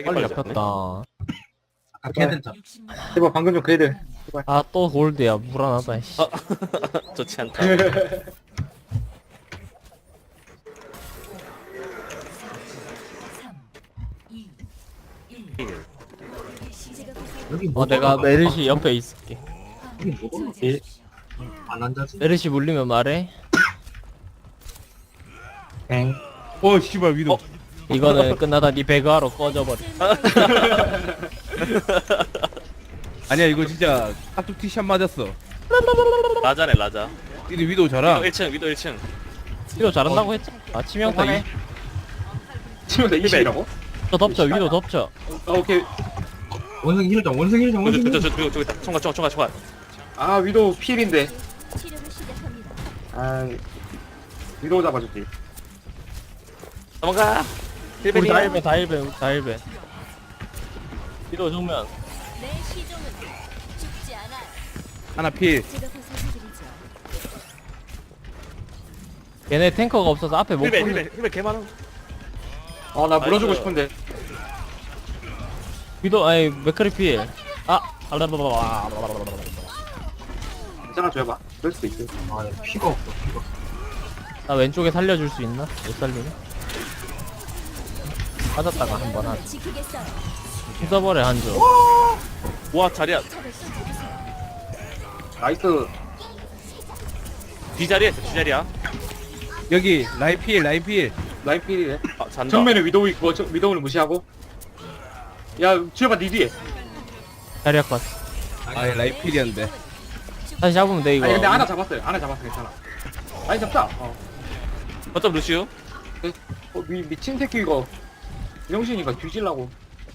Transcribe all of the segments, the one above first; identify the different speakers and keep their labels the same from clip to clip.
Speaker 1: 빨리
Speaker 2: 빨라졌네.
Speaker 1: 잡혔다.
Speaker 3: 아까 걔들
Speaker 4: 제발 방금 좀 그래들.
Speaker 1: 아 또 골드야 불안하다. 씨.
Speaker 2: 좋지 않다.
Speaker 3: 여기 뭐
Speaker 1: 내가 메르시 옆에 있을게.
Speaker 3: 여기 뭐 안 앉아지?
Speaker 1: 메르시 물리면 말해.
Speaker 4: 엥.
Speaker 5: 씨발 위도.
Speaker 1: 이거는 끝나다 니 배그하러 꺼져버려.
Speaker 5: 아니야 이거 진짜 깍둑 티샷 맞았어.
Speaker 2: 라자네 라자.
Speaker 5: 근데 위도 잘하.
Speaker 2: 1층 위도 1층.
Speaker 1: 위도 잘한다고 했죠? 아 치명타
Speaker 4: 하네. 지금 내 20이라고?
Speaker 1: 위도 덮쳐 위도 덮쳐.
Speaker 4: 오케이.
Speaker 3: 원숭이 힐정 원숭이 힐정 원숭이 힐정.
Speaker 2: 저기 있다. 총괄.
Speaker 4: 아 위도우 필인데.
Speaker 6: 치료를 시작합니다.
Speaker 4: 아 위도우 잡아줄게.
Speaker 2: 도망가.
Speaker 1: 우리
Speaker 2: 힐베리야.
Speaker 1: 다 일배. 위도 정면.
Speaker 6: 내 시종은 죽지 않아요.
Speaker 5: 하나 필.
Speaker 6: 제가 보살펴드리죠.
Speaker 1: 얘네 탱커가 없어서 앞에 못 보는.
Speaker 2: 힐베 개 많아.
Speaker 4: 아나 물어주고
Speaker 2: 나이스.
Speaker 4: 싶은데.
Speaker 1: 위도 아니 맥크리 필.
Speaker 4: 괜찮아 줘봐. 그럴 수도 있어.
Speaker 3: 아 피가 없어 피가.
Speaker 1: 나 왼쪽에 살려줄 수 있나? 못 살리네. 맞았다가 한번 하자.
Speaker 6: 지키겠어요.
Speaker 1: 휘어버려 한조.
Speaker 2: 와 자리야.
Speaker 6: 적을 쫓아주세요.
Speaker 4: 나이스.
Speaker 2: 뒤자리야 뒤자리야.
Speaker 5: 여기 라인 필 라인 필.
Speaker 4: 라인 필이네.
Speaker 2: 아 잔다.
Speaker 4: 정면에 위도우 있고 위도우를 무시하고. 야 주여봐 니 뒤에.
Speaker 1: 자리야 컷.
Speaker 5: 아 라인 필이었는데.
Speaker 1: 다시 잡으면 돼 이거.
Speaker 4: 아니 근데 하나 잡았어요. 하나 잡았어 괜찮아. 아니 잡자.
Speaker 2: 어쩜 루시우?
Speaker 4: 미친 새끼 이거. 명신이가 뒤질라고.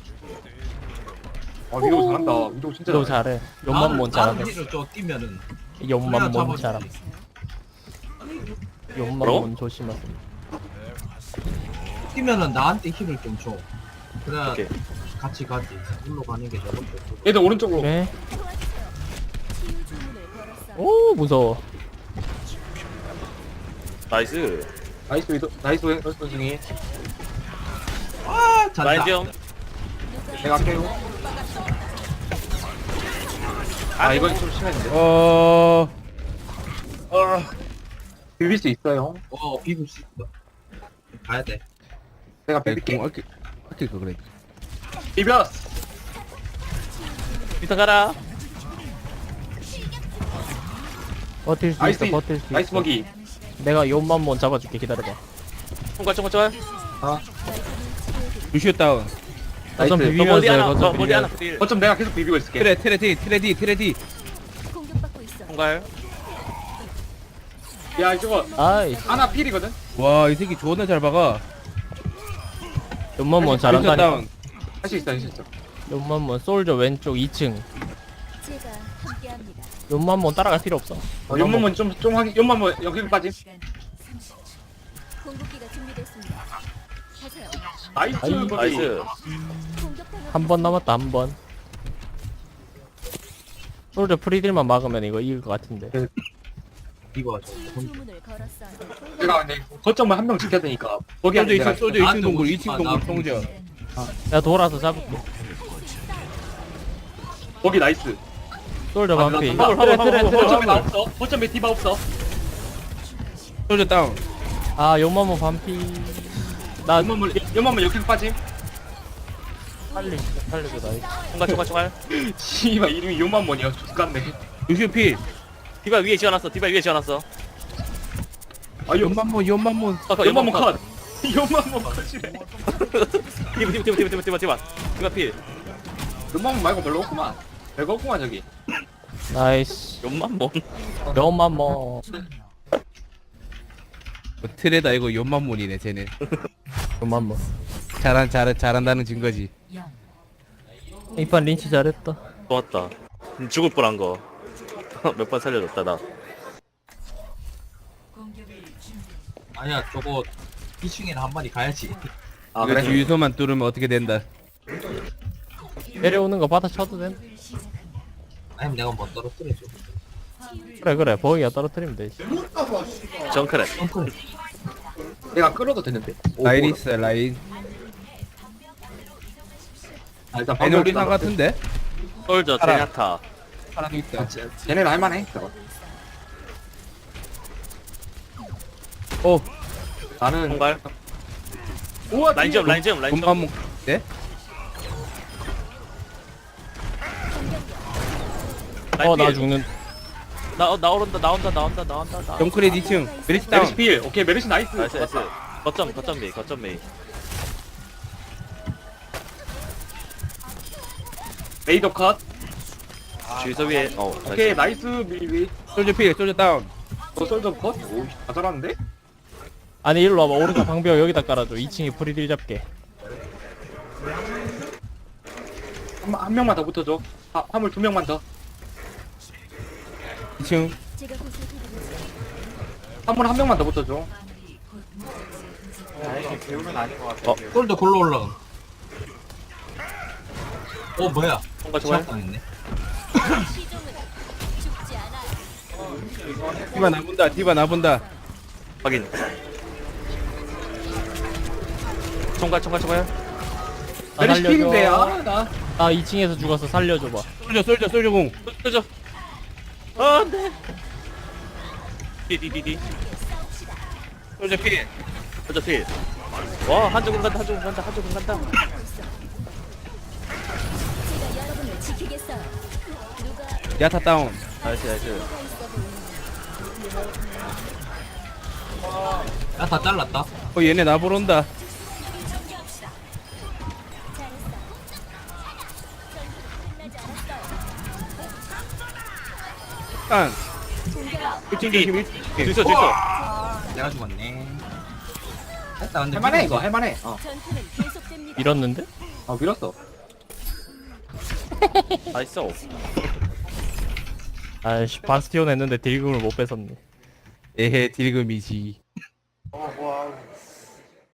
Speaker 4: 아 위도우 잘한다. 위도우 진짜
Speaker 1: 위도
Speaker 4: 잘해.
Speaker 1: 잘해. 욕만 못 잘하네.
Speaker 3: 나는 힐을 저 뛰면은
Speaker 1: 욕만 못
Speaker 3: 잡아줘.
Speaker 1: 잘함. 욕만
Speaker 2: 뭐라고?
Speaker 1: 못 조심하세요.
Speaker 3: 뛰면은 나한테 힐을 좀 줘. 그래야
Speaker 2: 오케이.
Speaker 3: 같이 가지. 물로 가는 게 저것도.
Speaker 4: 얘들 오른쪽으로.
Speaker 1: 그래?
Speaker 6: 치유 주문을 걸었어요.
Speaker 1: 오 무서워.
Speaker 2: 나이스.
Speaker 4: 나이스 위도우. 나이스 원숭이.
Speaker 3: 아 잔다.
Speaker 2: 라인 좀.
Speaker 4: 내가 할게요. 아 이건 좀 심했는데. 비빌 수 있어요.
Speaker 3: 비빌 수 있어. 가야 돼.
Speaker 4: 내가 비빌게.
Speaker 5: 아낄 거 그래.
Speaker 4: 비볐어.
Speaker 2: 비타 가라.
Speaker 1: 버틸 수
Speaker 4: 나이스.
Speaker 1: 있어 버틸 수
Speaker 4: 나이스
Speaker 1: 있어.
Speaker 4: 먹이.
Speaker 1: 내가 욕만 못 잡아줄게 기다려봐.
Speaker 2: 총괄.
Speaker 5: 루시오 다운.
Speaker 1: 거점
Speaker 4: 나이스.
Speaker 1: 비비면서
Speaker 2: 머리
Speaker 1: 해,
Speaker 2: 하나.
Speaker 1: 거점
Speaker 2: 머리 하나.
Speaker 1: 비비면서.
Speaker 2: 딜.
Speaker 4: 어쩜 내가 계속 비비고 있을게.
Speaker 5: 트레디.
Speaker 6: 공격받고 있어.
Speaker 2: 총괄.
Speaker 4: 야 저거
Speaker 1: 아이씨
Speaker 4: 하나 필이거든.
Speaker 5: 와 이 새끼 존나 잘 박아.
Speaker 1: 욕만 못
Speaker 5: 루시오
Speaker 1: 잘한다니까.
Speaker 5: 다운.
Speaker 4: 할 수 있어 할 수 있어.
Speaker 1: 욕만 못 솔저 왼쪽 2층.
Speaker 6: 제가 함께합니다.
Speaker 1: 욕만 못 따라갈 필요 없어.
Speaker 4: 연만만 좀 하기. 연만만 여기 빠짐.
Speaker 6: 공격기가 준비됐습니다. 가세요.
Speaker 4: 나이스.
Speaker 1: 아이,
Speaker 4: 먹이.
Speaker 2: 나이스.
Speaker 6: 공격당한
Speaker 1: 한 번 남았다 한 번. 솔저 프리딜만 막으면 이거 이길 것 같은데.
Speaker 3: 이거 저.
Speaker 6: 치유 주문을 걸었어요.
Speaker 4: 내가 근데 거점을 한 명 지켜야 되니까. 거기
Speaker 5: 솔저
Speaker 4: 내가
Speaker 5: 2층 솔저 2층 동굴 2층 동굴 송저.
Speaker 1: 내가 돌아서 잡을게.
Speaker 4: 거기 나이스.
Speaker 1: 솔저
Speaker 4: 아,
Speaker 1: 반피.
Speaker 4: 나
Speaker 1: 트레 트레 트레.
Speaker 4: 거점에 나 없어. 거점에 디바 없어.
Speaker 5: 솔저 다운.
Speaker 1: 아 욕만 못 반피. 나
Speaker 4: 연만만 여기 빠짐.
Speaker 1: 살려줘 나.
Speaker 2: 총괄.
Speaker 4: 씨발 이름이 연만만이야. 죽겠네.
Speaker 5: 루시오 필.
Speaker 2: 디바 위에 지어놨어.
Speaker 4: 아
Speaker 5: 연만몬.
Speaker 4: 연만만 컷. 연만만 컷이래.
Speaker 2: 디바 필.
Speaker 4: 연만만 말고 별로 없구만. 별거 없구만 저기.
Speaker 1: 나이스.
Speaker 2: 욕만 뭐.
Speaker 1: 욕만 뭐.
Speaker 5: 트레다 이거 연만몬이네 쟤네.
Speaker 1: 욕만 뭐.
Speaker 5: 잘한다는 증거지.
Speaker 1: 이판 린치 잘했다.
Speaker 2: 좋았다. 죽을 뻔한 거. 몇 번 살려줬다 나.
Speaker 3: 아니야 저거 2층에는 한 마리 가야지.
Speaker 4: 아
Speaker 5: 이거
Speaker 4: 그래.
Speaker 5: 주유소만 뚫으면 어떻게 된다.
Speaker 1: 내려오는 거 받아쳐도 돼.
Speaker 3: 아니면 내가 뭐 떨어뜨려줘.
Speaker 1: 그래 버기가 떨어뜨리면 되지.
Speaker 2: 정크랩.
Speaker 4: 내가 끌어도 되는데.
Speaker 5: 라인 있어 라인.
Speaker 4: 아 일단
Speaker 5: 얘네 우리 상
Speaker 4: 방금
Speaker 5: 같은데?
Speaker 2: 솔저
Speaker 5: 알아.
Speaker 2: 제냐타.
Speaker 5: 사람 있다.
Speaker 4: 쟤네는 할만해 저거.
Speaker 5: 오,
Speaker 4: 나는
Speaker 2: 총괄.
Speaker 4: 우와
Speaker 2: 라인 좀 라인 좀 라인
Speaker 5: 금방
Speaker 2: 좀.
Speaker 5: 먹. 네?
Speaker 2: 라인
Speaker 1: 나
Speaker 2: 필.
Speaker 1: 죽는.
Speaker 2: 나온다 나온다.
Speaker 5: 정크레 2층. 메리시 다운.
Speaker 4: 메르시 필. 오케이 메르시 나이스.
Speaker 2: 나이스 나이스. 거점 메이.
Speaker 4: 메이더 컷.
Speaker 2: 주유소 위에
Speaker 4: 오케이 나이스 밀리.
Speaker 5: 솔저 필, 솔저 다운.
Speaker 4: 솔저 컷. 오다 잘하는데?
Speaker 1: 아니 일로 와봐. 오른쪽 방벽 여기다 깔아줘. 2층에 프리딜 잡게.
Speaker 4: 한 명만 더 붙어줘. 화물 2명만 더.
Speaker 5: 2층.
Speaker 6: 제가 보살펴드리죠.
Speaker 4: 화물 1명만 더 붙어줘.
Speaker 3: 솔도 골로 올라. 뭐야?
Speaker 2: 총괄
Speaker 3: 시작
Speaker 2: 총괄.
Speaker 3: 당했네.
Speaker 6: 시종은 죽지 않아요.
Speaker 5: 디바 나본다. 디바 나본다.
Speaker 2: 확인. 총괄.
Speaker 1: 나
Speaker 4: 메르시 필인데
Speaker 1: 살려줘.
Speaker 4: 나.
Speaker 1: 나 2층에서 죽어서 살려줘봐.
Speaker 5: 솔저 공.
Speaker 2: 쏘죠. 안돼. 디디디디.
Speaker 5: 솔저 필.
Speaker 2: 쏘죠 필. 와 한조군 간다.
Speaker 6: 제가 여러분을 지키겠어요. 누가
Speaker 5: 야타 다운.
Speaker 2: 나이스.
Speaker 6: 누가 있어 보이는
Speaker 3: 야다 잘랐다.
Speaker 5: 얘네 나 보러 온다. 깐. 1층 조심. 1층.
Speaker 2: 주소.
Speaker 3: 내가 죽었네. 됐다 근데
Speaker 4: 할만해 이거 할만해.
Speaker 6: 전투는 계속됩니다.
Speaker 1: 밀었는데?
Speaker 4: 밀었어.
Speaker 2: 나이스.
Speaker 1: 아이씨 바스티온 했는데 딜금을 못 뺏었네.
Speaker 5: 에헤 딜금이지.